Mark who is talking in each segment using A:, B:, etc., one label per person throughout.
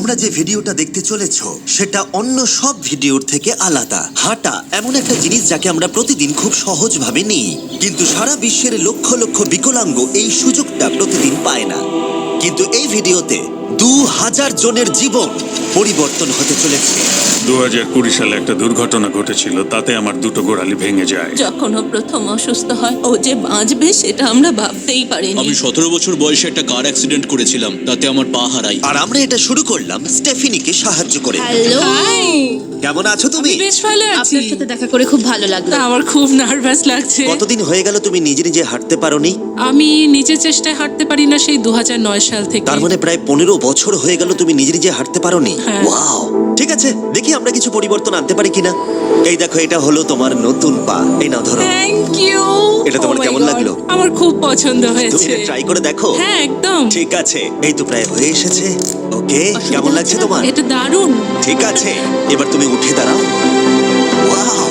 A: তোমরা যে ভিডিওটা দেখতে চলেছো সেটা অন্য সব ভিডিওর থেকে আলাদা। হাঁটা এমন একটা জিনিস যাকে আমরা প্রতিদিন খুব সহজভাবে নিই, কিন্তু সারা বিশ্বের লক্ষ লক্ষ বিকলাঙ্গ এই সুযোগটা প্রতিদিন পায় না। কিন্তু এই ভিডিওতে 2000 জনের জীবন পরিবর্তন হতে চলেছে।
B: 2020 সালে একটা দুর্ঘটনা ঘটেছিল, তাতে আমার দুটো গোড়ালি ভেঙে যায়।
C: যখন ও প্রথম অসুস্থ হয়, ও যে বাঁচবে সেটা আমরা ভাবতেই পারিনি।
D: আমি 17 বছর বয়সে একটা কার অ্যাক্সিডেন্ট করেছিলাম, তাতে আমার পা হারাই।
A: আর আমরা এটা শুরু করলাম স্টেফিনিকে সাহায্য করে।
C: হ্যালো,
A: কেমন আছো তুমি?
C: বেশ ভালো আছি।
E: আপনার সাথে দেখা করে খুব ভালো লাগলো।
C: আমার খুব নার্ভাস লাগছে।
A: কতদিন হয়ে গেল তুমি নিজে নিজে হাঁটতে পারোনি?
C: আমি নিজের চেষ্টায় হাঁটতে পারি না সেই 2009 সাল থেকে।
A: তার মানে প্রায় 15 বছর হয়ে গেল তুমি নিজে নিজে হাঁটতে পারোনি।
C: হ্যাঁ।
A: ওয়াও, ঠিক আছে, দেখি আমরা কিছু পরিবর্তন আনতে পারি কিনা। এই দেখো, এটা হলো তোমার নতুন পা। এই নাও, ধরো।
C: Thank you.
A: এটা তোমার কেমন লাগলো?
C: আমার খুব পছন্দ
A: তুমি
C: হয়েছে।
A: ট্রাই করে দেখো।
C: হ্যাঁ, একদম।
A: ঠিক আছে, এই তো প্রায় হয়ে এসেছে। ওকে, কেমন লাগছে তোমার?
C: এটা দারুণ।
A: ঠিক আছে, এবার তুমি উঠে দাঁড়াও। ওয়াও,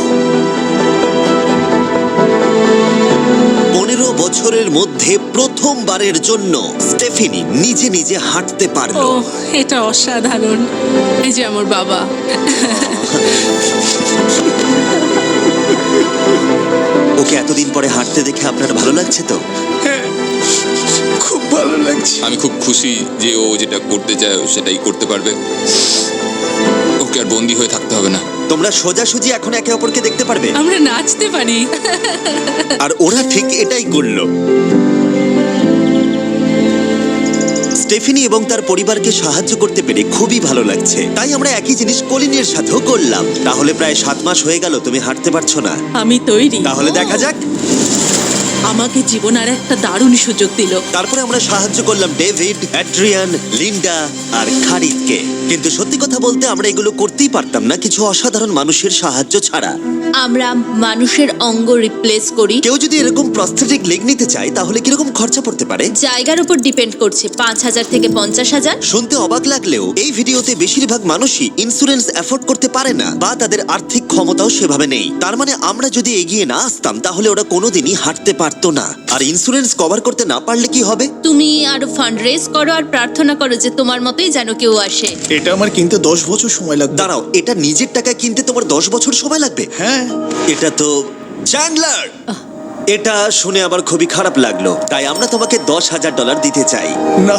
A: 15 বছরের মধ্যে প্রথমবারের জন্য স্টেফিনি নিজে নিজে হাঁটতে
C: ও,
A: পারলো।
C: এটা অসাধারণ। এই যে আমার বাবা।
A: ওকে এতদিন পরে হাঁটতে দেখে আপনার ভালো লাগছে তো?
D: খুব ভালো লাগছে। আমি খুব খুশি যে ও যেটা করতে চায় সেটাই করতে পারবে। ওকে আর বন্দি হয়ে থাকতে হবে না।
A: তোমরা সোজাসুজি এখন একে অপরকে দেখতে পারবে।
C: আমরা নাচতে পারি।
A: আর ওরা ঠিক এটাই করলো। স্টেফিনি এবং তার পরিবারকে সাহায্য করতে পেরে খুবই ভালো লাগছে। তাই আমরা একই জিনিস কলিনের সাথেও করলাম। তাহলে প্রায় 7 মাস হয়ে গেল তুমি হাঁটতে পারছো না।
C: আমি তৈরি।
A: তাহলে দেখা যাক।
C: আমাকে জীবন আর একটা দারুণ সুযোগ দিল।
A: তারপরে আমরা সাহায্য করলাম ডেভিড, অ্যাড্রিয়ান, লিন্ডা আর খারিদকে। কিন্তু সত্যি কথা বলতে আমরা এগুলো করতেই পারতাম না কিছু অসাধারণ মানুষের সাহায্য ছাড়া।
E: আমরা মানুষের অঙ্গ রিপ্লেস করি।
A: কেউ যদি এরকম প্রস্থেটিক লেগ নিতে চায় তাহলে কিরকম খরচা পড়তে পারে?
E: জায়গার উপর ডিপেন্ড করছে, 5,000 থেকে 50,000।
A: শুনতে অবাক লাগলেও এই ভিডিওতে বেশিরভাগ মানুষই ইন্স্যুরেন্স অ্যাফোর্ড করতে পারে না, বা তাদের আর্থিক ক্ষমতাও সেভাবে নেই। তার মানে আমরা যদি এগিয়ে না আসতাম তাহলে ওরা কোনোদিনই হাঁটতে পারতো না। আর ইন্স্যুরেন্স কভার করতে না পারলে কি হবে?
E: তুমি আরো ফান্ড রেজ করো আর প্রার্থনা করো যে তোমার মতোই যেন কেউ আসে।
F: এটা আমার কিনতে 10 বছর সময় লাগবে।
A: দাঁড়াও, এটা নিজের টাকায় কিনতে তোমার 10 বছর সময় লাগবে?
F: হ্যাঁ।
A: এটা তো চ্যান্ডলার, এটা শুনে আবার খুবই খারাপ লাগলো। তাই আমরা তোমাকে $10,000 দিতে চাই।
F: না,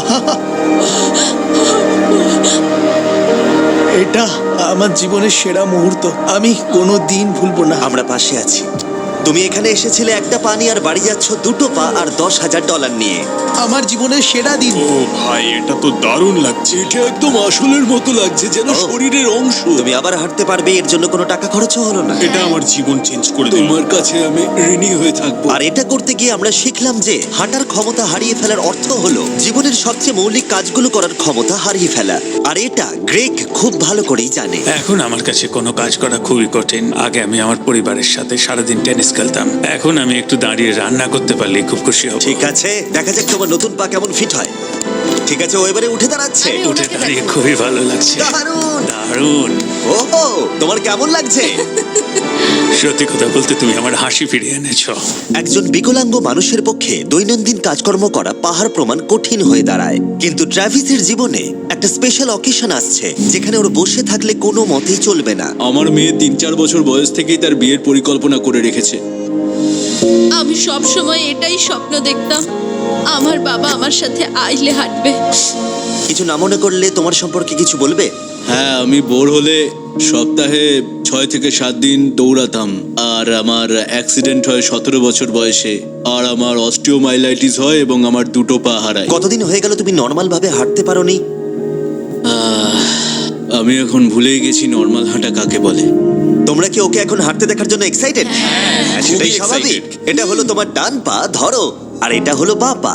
F: এটা আমার জীবনের সেরা মুহূর্ত, আমি কোনো দিন ভুলবো না।
A: আমরা পাশে আছি। তুমি এখানে এসেছিলে একটা পা নিয়ে আর বাড়ি যাচ্ছ দুটো পা আর $10,000 নিয়ে।
F: আমার জীবনের সেরা দিন।
B: ও ভাই, এটা তো দারুণ লাগছে।
D: এটা একদম আসলের মতো লাগছে, যেন
A: ও।
D: শরীরের অংশ।
A: তুমি আবার হাঁটতে পারবে, এর জন্য কোনো টাকা খরচও হলো না।
B: এটা আমার জীবন চেঞ্জ করে দিল।
D: তোমার কাছে আমি ঋণী হয়ে থাকবো।
A: আর এটা করতে গিয়ে আমরা শিখলাম যে হাঁটার ক্ষমতা হারিয়ে ফেলার অর্থ হলো জীবনের সবচেয়ে মৌলিক কাজগুলো করার ক্ষমতা হারিয়ে ফেলা। আর এটা গ্রেগ খুব ভালো করেই জানে।
B: এখন আমার কাছে কোনো কাজ করা খুবই কঠিন। আগে আমি আমার পরিবারের সাথে সারাদিন টেনিস খেলতাম, এখন আমি একটু দাঁড়িয়ে রান্না করতে পারলে খুব খুশি হব।
A: ঠিক আছে, দেখা যাক তোমার নতুন পা কেমন ফিট হয়। ঠিক আছে, ও এবারে উঠে দাঁড়াচ্ছে।
E: আমি
B: উঠে
E: ওনাকে
B: দাঁড়িয়ে
E: দেখাবো।
B: খুবই ভালো লাগছে।
A: দারুণ।
B: দারুণ।
A: ওহো, তোমার কেমন লাগছে?
B: সত্যি কথা বলতে তুমি আমার হাসি ফিরিয়ে এনেছো।
A: একজন বিকলাঙ্গ মানুষের পক্ষে দৈনন্দিন কাজকর্ম করা পাহাড় প্রমাণ কঠিন হয়ে দাঁড়ায়। কিন্তু ট্রাভিসের জীবনে একটা স্পেশাল অকেশন আসছে যেখানে ওর বসে থাকলে কোনো মতেই চলবে না।
D: আমার মেয়ে 3-4 বছর বয়স থেকেই তার বিয়ের পরিকল্পনা করে রেখেছে।
E: আমি সব সময় এটাই স্বপ্ন দেখতাম, আমার বাবা আমার সাথে আইলে হাঁটবে।
A: কিছু না মনে করলে তোমার সম্পর্কে কিছু বলবে?
D: হ্যাঁ, আমি বোর হলে সপ্তাহে 6 থেকে 7 দিন দৌড়াতাম। আর আমার অ্যাক্সিডেন্ট হয় 17 বছর বয়সে। আর আমার অস্টিওমাইলাইটিস হয় এবং আমার দুটো পা হারায়।
A: কতদিন হয়ে গেল তুমি নর্মাল ভাবে হাঁটতে পারোনি?
D: আমি এখন ভুলেই গেছি নর্মাল হাঁটা কাকে বলে।
A: তোমরা কি ওকে এখন হাঁটতে দেখার জন্য এক্সাইটেড? সেটাই
D: খুবই
A: স্বাভাবিক।
D: excited।
A: এটা হলো তোমার ডান পা, ধরো, আর এটা হলো বাঁ পা।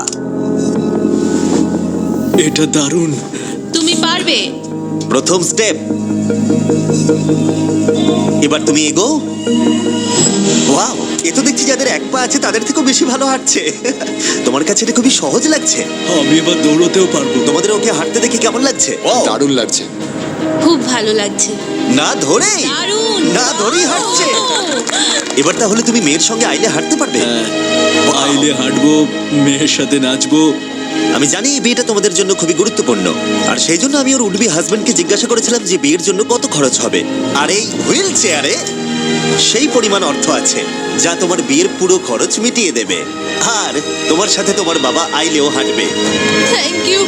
D: এটা দারুণ।
E: তুমি পারবে।
A: প্রথম স্টেপ। এবার তুমি এগো। ওয়াও, এ তো দেখছি যাদের এক পা আছে তাদের থেকেও বেশি ভালো হাঁটছে। তোমার কাছে এটা খুবই সহজ লাগছে।
D: আমি এবার দৌড়তেও পারবো।
A: তোমাদের ওকে হাঁটতে দেখে কেমন লাগছে?
D: দারুণ লাগছে।
E: খুব ভালো লাগছে।
A: না ধরেই,
E: দারুণ।
A: না ধরেই হাঁটছে। এবার তাহলে তুমি মেয়ের সঙ্গে আইলে হাঁটতে পারবে?
D: হ্যাঁ, আইলে হাঁটবো, মেয়ের সাথে নাচবো,
A: আমি জানি এই বিয়েটা তোমাদের জন্য খুবই গুরুত্বপূর্ণ, আর সেই জন্য আমি ওর উডবি হাজবেন্ডকে জিজ্ঞাসা করেছিলাম যে বিয়ের জন্য কত খরচ হবে। আর এই হুইল চেয়ারে সেই পরিমাণ অর্থ আছে যা তোমার বিয়ের পুরো খরচ মিটিয়ে দেবে। আর তোমার সাথে তোমার বাবা আইলেও হাঁটবে।
E: Thank you.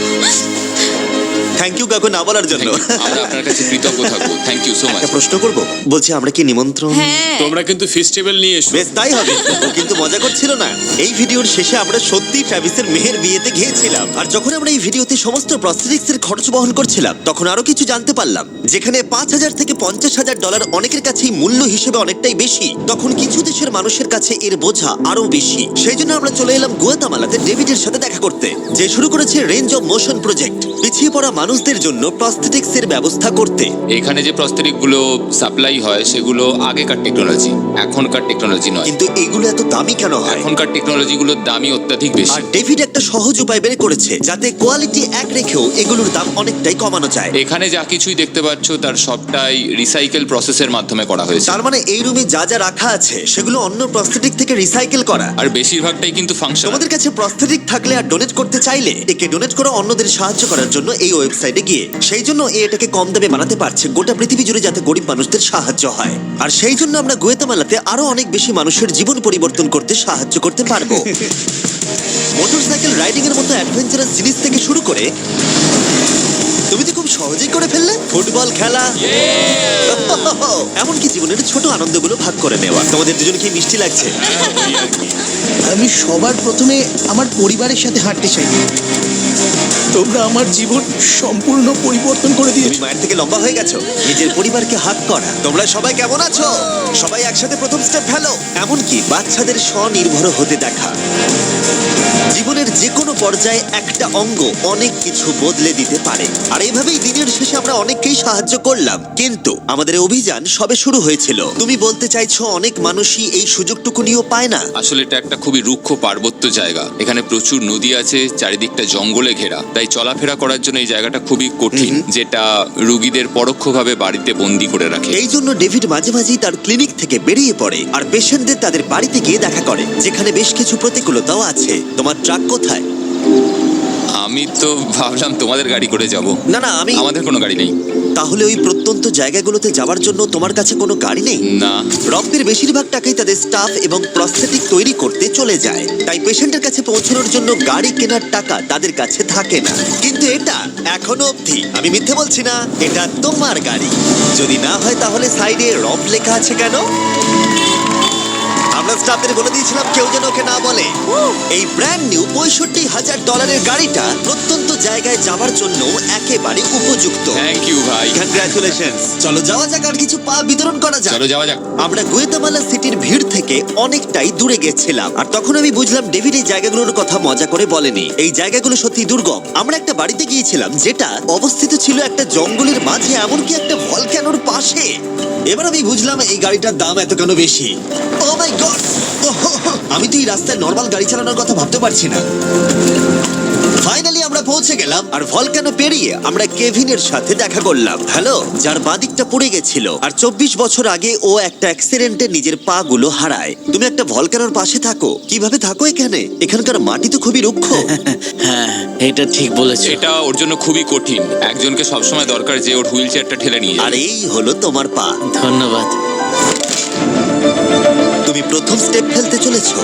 A: থ্যাংক ইউ কাকু না বলার জন্য।
G: আমরা আপনার কাছে কৃতজ্ঞ থাকবো। Thank you so much.
A: একটা প্রশ্ন করব, বলছি আমরা কি নিমন্ত্রণ?
E: হ্যাঁ,
G: তোমরা কিন্তু ফেস্টিভ্যাল নিয়ে এসো।
A: বেশ তাই হবে। ও কিন্তু মজা করছিল না। এই ভিডিওর শেষে আমরা সত্যি ট্রাভিসের মেহের বিয়েতে গিয়েছিলাম, আর যখন আমরা এই ভিডিওতে সমস্ত প্রস্থেটিক্স এর খরচ বহন করছিলাম তখন আরো কিছু জানতে পারলাম। যেখানে $5,000 থেকে $50,000 অনেকের কাছেই মূল্য হিসেবে অনেকটাই বেশি, তখন কিছু দেশের মানুষের কাছে এর বোঝা আরো বেশি। সেই জন্য আমরা চলে এলাম গুয়াতামালাতে ডেভিডের সাথে দেখা করতে, যে শুরু করেছে রেঞ্জ অফ মোশন প্রজেক্ট, পিছিয়ে পড়া মানুষদের জন্য প্রস্থেটিক্স এর ব্যবস্থা করতে।
G: এখানে যে প্রস্তরিক গুলো সাপ্লাই হয় সেগুলো আগেকার টেকনোলজি, এখনকার টেকনোলজি নয়।
A: কিন্তু এগুলো এত দামি কেন হয়?
G: এখনকার টেকনোলজি গুলোর দামই অত্যাধিক বেশি।
A: আর ডেভিড একটা সহজ উপায় বের করেছে যাতে কোয়ালিটি এক রেখেও এগুলোর দাম অনেকটাই কমানো যায়।
G: এখানে যা কিছুই দেখতে পাচ্ছ তার সবটাই রিসাইকেল প্রসেসের মাধ্যমে করা হয়েছে।
A: তার মানে এই রুমে যা যা রাখা আছে সেগুলো অন্য প্রস্থেটিক থেকে রিসাইকেল করা।
G: আর বেশিরভাগটাই কিন্তু ফাংশন।
A: তোমাদের কাছে প্রস্থেটিক থাকলে আর ডোনেট করতে চাইলে একে ডোনেট করো অন্যদের সাহায্য করার জন্য এই ওয়েবসাইটে গিয়ে। সেই জন্য এটাকে কম দামে বানাতে পারছে গোটা পৃথিবী জুড়ে যাতে গরিব মানুষদের সাহায্য হয়। আর সেই জন্য আমরা গুয়াতামালাতে আরো অনেক বেশি মানুষের জীবন পরিবর্তন করতে সাহায্য করতে পারবো। মোটরসাইকেল রাইডিং এর মতো অ্যাডভেঞ্চারাস জিনিস থেকে শুরু করে তুমি তো খুব সহজেই করে ফেললে ফুটবল খেলা, এমনকি জীবনের ছোট আনন্দগুলো ভাগ করে নেওয়া। তোমাদের দুজন কি মিষ্টি লাগছে?
F: আমি সবার প্রথমে আমার পরিবারের সাথে হাঁটতে চাই। তোমরা আমার জীবন সম্পূর্ণ পরিবর্তন করে
A: তুমি
F: দিয়েছো।
A: মায়ের থেকে লম্বা হয়ে গেছো। নিজের পরিবারকে হাত করা। তোমরা সবাই কেমন আছো? সবাই একসাথে প্রথম স্টেপ ফেলো। এমনকি বাচ্চাদের স্বনির্ভর হতে দেখা। জীবনের যে কোনো পর্যায়ে একটা অঙ্গ অনেক কিছু বদলে দিতে পারে। আর এইভাবেই দিনের শেষে আমরা অনেককেই সাহায্য করলাম, কিন্তু আমাদের অভিযান সবে শুরু হয়েছিল। তুমি বলতে চাইছো অনেক মানুষই এই সুযোগটুকু নিয়েও পায় না?
G: আসলে এটা একটা খুবই রুক্ষ পার্বত্য জায়গা। এখানে প্রচুর নদী আছে, চারিদিকটা জঙ্গলে ঘেরা। তাই চলাফেরা করার জন্য এই জায়গাটা খুবই কঠিন, যেটা রোগীদের পরোক্ষভাবে বাড়িতে বন্দি করে রাখে।
A: এই জন্য ডেভিড মাঝে মাঝেই তার ক্লিনিক থেকে বেরিয়ে পড়ে আর পেশেন্টদের তাদের বাড়িতে গিয়ে দেখা করে, যেখানে বেশ কিছু প্রতিকূলতাও আছে। তোমার ট্রাক কোথায়?
G: আমি তো ভাবলাম তোমাদের গাড়ি করে যাব।
A: না না,
G: আমাদের কোনো গাড়ি নেই।
A: তাহলে ওই প্রত্যন্ত জায়গাগুলোতে যাওয়ার জন্য তোমার কাছে কোনো গাড়ি নেই?
G: না।
A: রবদের বেশিরভাগ টাকাই তাদের স্টাফ এবং প্রস্থেটিক তৈরি করতে চলে যায়, তাই পেশেন্টের কাছে পৌঁছানোর জন্য গাড়ি কেনার টাকা তাদের কাছে থাকে না। কিন্তু এটা এখনো অবধি, আমি মিথ্যে বলছি না, এটা তোমার গাড়ি। যদি না হয় তাহলে সাইডে রব লেখা আছে কেন? আমরা স্টাফদের বলে দিয়েছিলাম কেউ যেন ওকে না বলে। এই ব্র্যান্ড নিউ $65,000 গাড়িটা প্রত্যন্ত জায়গায় যাওয়ার জন্য একেবারে উপযুক্ত।
G: থ্যাংক ইউ ভাই।
A: কংগ্রাচুলেশনস। চলো যাওয়া যাক আর কিছু পা বিতরণ করা যাক।
G: চলো যাওয়া যাক।
A: আমরা গুয়াতামালা সিটির ভিড় থেকে অনেকটাই দূরে গেছিলাম, আর তখন আমি বুঝলাম ডেভিড এই জায়গাগুলোর কথা মজা করে বলেনি। এই জায়গাগুলো সত্যি দুর্গম। আমরা একটা বাড়িতে গিয়েছিলাম যেটা অবস্থিত ছিল একটা জঙ্গলের মাঝে, এমনকি একটা ভলক্যানোর পাশে। এবার আমি বুঝলাম এই গাড়িটার দাম এত কেন বেশি। ও মাই গড, আমি তো এই রাস্তায় নর্মাল গাড়ি চালানোর কথা ভাবতে পারছি না। ফাইনালি আমরা পৌঁছে গেলাম, আর ভলকানো পেরিয়ে আমরা কেভিনের সাথে দেখা করলাম। হ্যালো, যার বাদিকটা পড়ে গেছিল, আর 24 বছর আগে ও একটা অ্যাক্সিডেন্টে নিজের পা গুলো হারায়। তুমি একটা ভলকানোর পাশে থাকো, কিভাবে থাকো এখানে? এখানকার মাটি তো খুবই রুক্ষ।
H: হ্যাঁ, এটা ঠিক বলেছো।
G: এটা ওর জন্য খুবই কঠিন। একজনকে সবসময় দরকার যে ওর হুইল চেয়ারটা ঠেলে নিয়ে
A: আর
G: যাবে।
A: এই হলো তোমার পা।
H: ধন্যবাদ।
A: তুমি প্রথম স্টেপ ফেলতে চলেছো।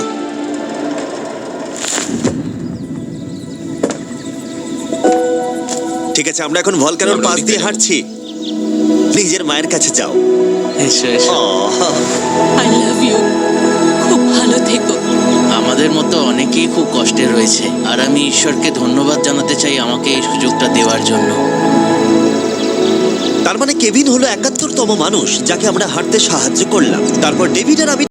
A: ঠিক আছে, আমরা এখন ভলকানোর পাশ দিয়ে হাঁটছি। নিজের মায়ের কাছে যাও।
H: এসো এসো।
C: I love you. খুব ভালো থেকো।
H: আমাদের মতো অনেকেই খুব কষ্টে রয়েছে, আর আমি ঈশ্বরকে ধন্যবাদ জানাতে চাই আমাকে এই সুযোগটা দেওয়ার জন্য।
A: তার মানে কেভিন হলো 71তম মানুষ যাকে আমরা হাঁটতে সাহায্য করলাম। তারপর ডেভিড আর আমি